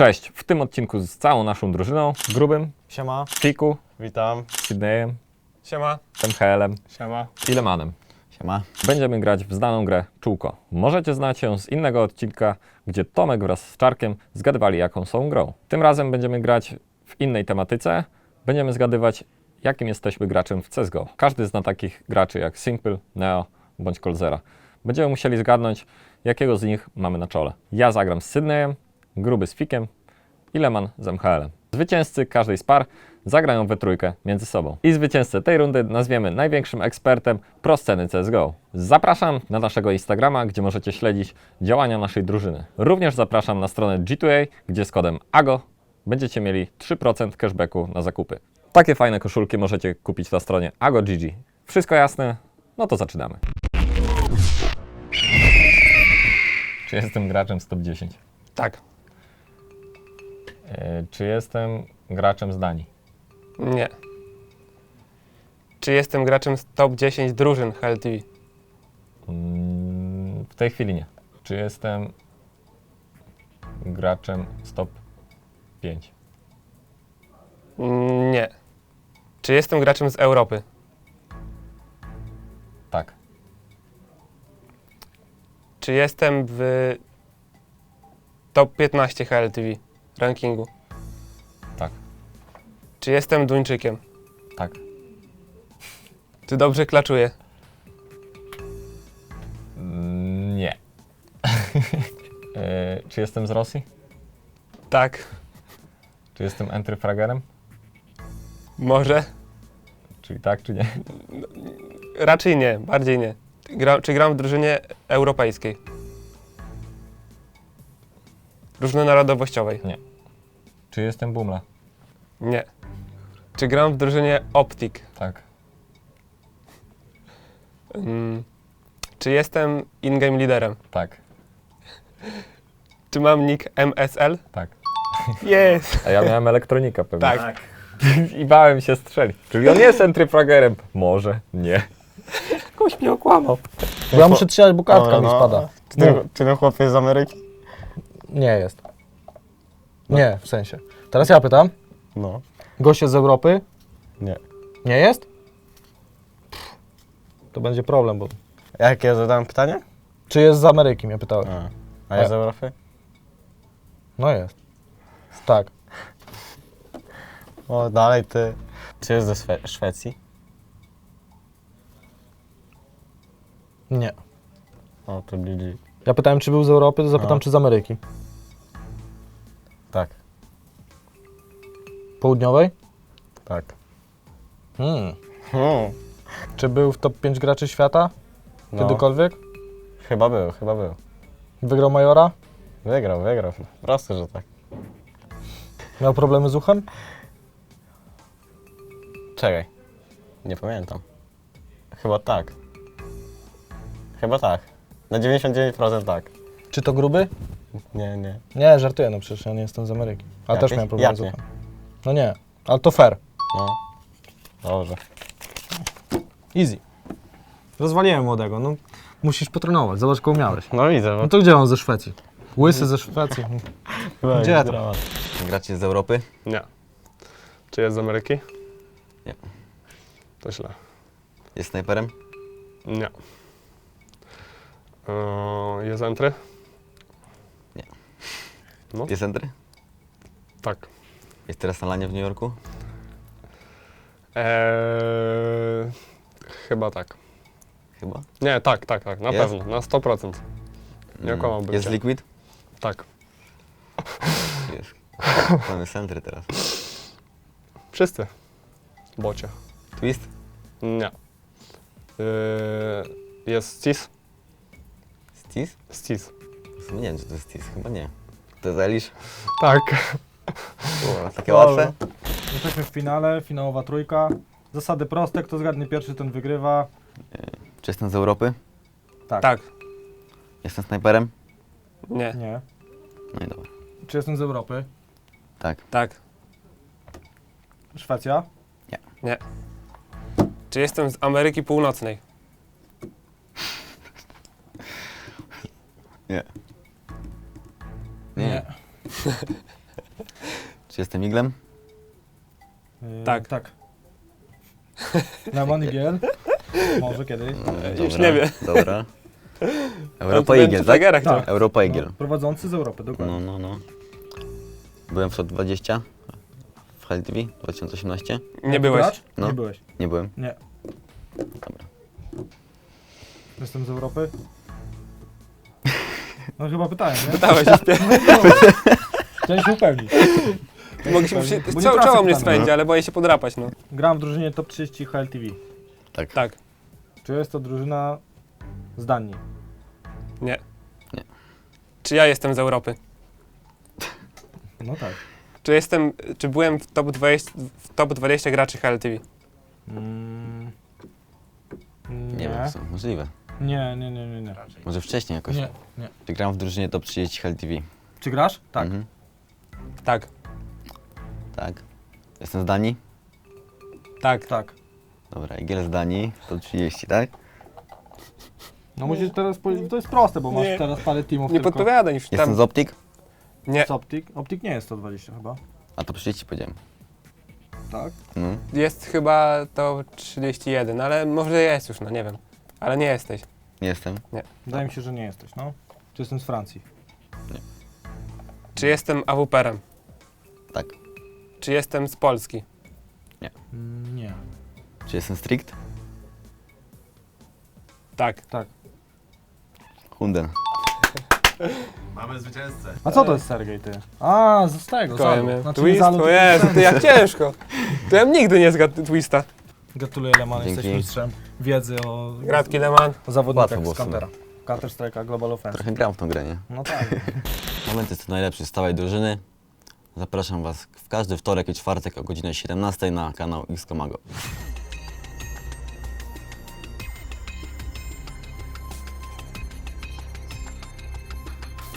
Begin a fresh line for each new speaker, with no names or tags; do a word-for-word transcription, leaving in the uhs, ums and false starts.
Cześć, w tym odcinku z całą naszą drużyną, Grubym,
Siema.
Fiku,
Witam.
Sydneyem,
Siema.
M H L-em
Siema.
i Lemanem.
Siema.
Będziemy grać w znaną grę Czółko. Możecie znać ją z innego odcinka, gdzie Tomek wraz z Czarkiem zgadywali, jaką są grą. Tym razem będziemy grać w innej tematyce. Będziemy zgadywać, jakim jesteśmy graczem w C S G O. Każdy zna takich graczy jak Simple, Neo bądź Coldzera. Będziemy musieli zgadnąć, jakiego z nich mamy na czole. Ja zagram z Sydneyem, Gruby z Fikiem i Leman z M H L-em. Zwycięzcy każdej z par zagrają we trójkę między sobą. I zwycięzcę tej rundy nazwiemy największym ekspertem pro sceny C S G O. Zapraszam na naszego Instagrama, gdzie możecie śledzić działania naszej drużyny. Również zapraszam na stronę G dwa A, gdzie z kodem A G O będziecie mieli trzy procent cashbacku na zakupy. Takie fajne koszulki możecie kupić na stronie A G O G G. Wszystko jasne? No to zaczynamy. Czy jestem graczem z top dziesięć?
Tak.
Yy, czy jestem graczem z Danii?
Nie. Czy jestem graczem z top dziesięć drużyn H L T V?
Mm, w tej chwili nie. Czy jestem graczem z top pięć?
Nie. Czy jestem graczem z Europy?
Tak.
Czy jestem w top piętnaście H L T V rankingu?
Tak.
Czy jestem Duńczykiem?
Tak.
Czy dobrze klaczuję?
Mm, nie. yy, czy jestem z Rosji?
Tak.
Czy jestem entry fragerem?
Może?
Czyli tak, czy nie?
Raczej nie. Bardziej nie. Gra, czy gram w drużynie europejskiej? Różnonarodowościowej?
Czy jestem Bumla?
Nie. Czy gram w drużynie Optic?
Tak.
Mm. Czy jestem in-game liderem?
Tak.
Czy mam nick M S L?
Tak.
Jest!
A ja miałem elektronika pewnie.
Tak.
I bałem się strzelić. Czyli on jest entry fragerem? Może. Nie. Ktoś mnie okłamał.
Bo ja muszę strzelać, bo kartka
Dobra,
mi
no.
spada.
Czy ten, czy ten chłop jest z Ameryki?
Nie jest. Nie, w sensie. Teraz ja pytam.
No.
Gość jest z Europy?
Nie.
Nie jest? Pff, to będzie problem, bo...
Jakie ja zadałem pytanie?
Czy jest z Ameryki, mnie pytałeś.
A, a jest z Europy?
No jest. Tak.
O, dalej ty. Czy jest ze Szwe- Szwecji?
Nie.
O, to G G.
Ja pytałem, czy był z Europy, to zapytam,
No.
czy z Ameryki.
Tak,
Południowej?
tak.
Hmm.
Hmm.
Czy był w top pięć graczy świata?
No,
Kiedykolwiek?
chyba był, chyba był.
Wygrał Majora?
Wygrał, wygrał. Proste, że tak.
Miał problemy z uchem?
Czekaj. Nie pamiętam. Chyba tak. Chyba tak. Na dziewięćdziesiąt dziewięć procent tak.
Czy to gruby?
Nie, nie.
Nie, żartuję, no przecież ja nie jestem z Ameryki. Ale
Jak
też
nie?
miałem problemy
Jak
z
nie?
uchem. No nie, ale to fair.
No. Dobrze.
Easy. Rozwaliłem młodego, no musisz potrenować, zobacz kogo miałeś.
No widzę, bo
No to gdzie on ze Szwecji? Łysy ze Szwecji. Gdzie to?
Gracie z Europy?
Nie. Czy jest z Ameryki?
Nie.
To źle.
Jest snajperem?
Nie. Yy, jest entry? No.
Jest entry?
Tak.
Jest teraz na lanie w New Yorku?
Eee, chyba tak.
Chyba.
Nie, tak, tak, tak, na
Jest?
pewno, na sto procent. Nie
Mm,
okłamałbym
Jest
cię.
Liquid?
Tak.
Jest. On jest entry teraz.
Wszyscy. Bocie.
Twist?
Nie. Yy, jest Stis?
Stis?
Stis.
W sumie nie wiem, czy to jest Stis. Chyba nie. To jest Elish?
Tak.
O, takie łatwe?
Jesteśmy w finale, finałowa trójka. Zasady proste, kto zgadnie pierwszy, ten wygrywa.
Czy jestem z Europy?
Tak.
Tak.
Jestem snajperem?
Nie.
Nie.
No i dobra.
Czy jestem z Europy?
Tak.
Tak.
Szwecja?
Nie. Czy jestem z Ameryki Północnej?
Nie.
Nie.
Czy jestem iglem?
Yy,
Tak.
Tak. Lemon Igiel. Może kiedyś.
No,
Już
dobra,
nie wie.
Dobra.
On
Europa
tu będzie
Igiel,
w
tak?
Tigerach,
Tak.
Europa Igiel.
No, prowadzący z Europy, dokładnie.
No, no, no. Byłem w top dwadzieścia w H L T V dwa tysiące osiemnaście.
Nie byłeś.
Gracz?
No.
Nie byłeś.
Nie byłem.
Nie.
Dobra.
Jestem z Europy? No chyba pytałem, nie?
Dałeś już pie...
Chciałem się upewnić.
Mogę się...
Bo
przy-
nie
Czoło,
tracę
czoło mnie
pytania.
swędzi, ale boję się podrapać, no.
Gram w drużynie top trzydzieści H L T V.
Tak.
Tak.
Czy jest to drużyna z Danii?
Nie.
Nie.
Czy ja jestem z Europy?
No tak.
Czy jestem... Czy byłem w top dwadzieścia, w top dwadzieścia graczy H L T V?
Mm,
Nie
nie.
wiem, co. Możliwe.
Nie, nie, nie, nie, nie.
Może wcześniej jakoś.
Nie, nie.
Czy gram w drużynie top trzydzieści H L T V?
Czy grasz? Tak.
Mhm.
Tak.
Tak. Jestem z Danii?
Tak.
Tak.
Dobra, Igiel z Danii, top trzydzieści, tak?
No musisz teraz powiedzieć, to jest proste, bo masz
Nie.
teraz parę teamów
Nie
tylko.
podpowiadaj już
Jestem
tam.
z Optik?
Nie.
Z Optik? Optik nie jest sto dwadzieścia chyba.
A to trzydzieści powiedziałem.
Tak?
No.
Jest chyba to trzydzieści jeden, ale może jest już, no nie wiem. Ale nie jesteś.
Nie jestem.
Wydaje mi się, że nie jesteś, no. Czy jestem z Francji?
Czy jestem AWP-em?
Tak.
Czy jestem z Polski?
Mm, nie.
Czy jestem strict?
Tak.
Tak.
Hunden.
A co to jest Sergiej, ty? A, z tego,
Kołem
zalu.
mnie.
Znaczy,
Twist?
zalu,
O
to
Jezu,
jest
ty jak ciężko. To ja bym nigdy nie zgadł Twista.
Gratuluję, Leman,
Dzięki.
jesteś mistrzem wiedzy o,
Gratki, Leman.
o zawodnikach
Łatwo było
z
w sumie.
Counter'a. Counter Strike'a Global Offensive.
Trochę gram w tą grę, nie?
No tak.
Moment jest najlepszy z całej drużyny. Zapraszam Was w każdy wtorek i czwartek o godzinie siedemnastej na kanał X Komago.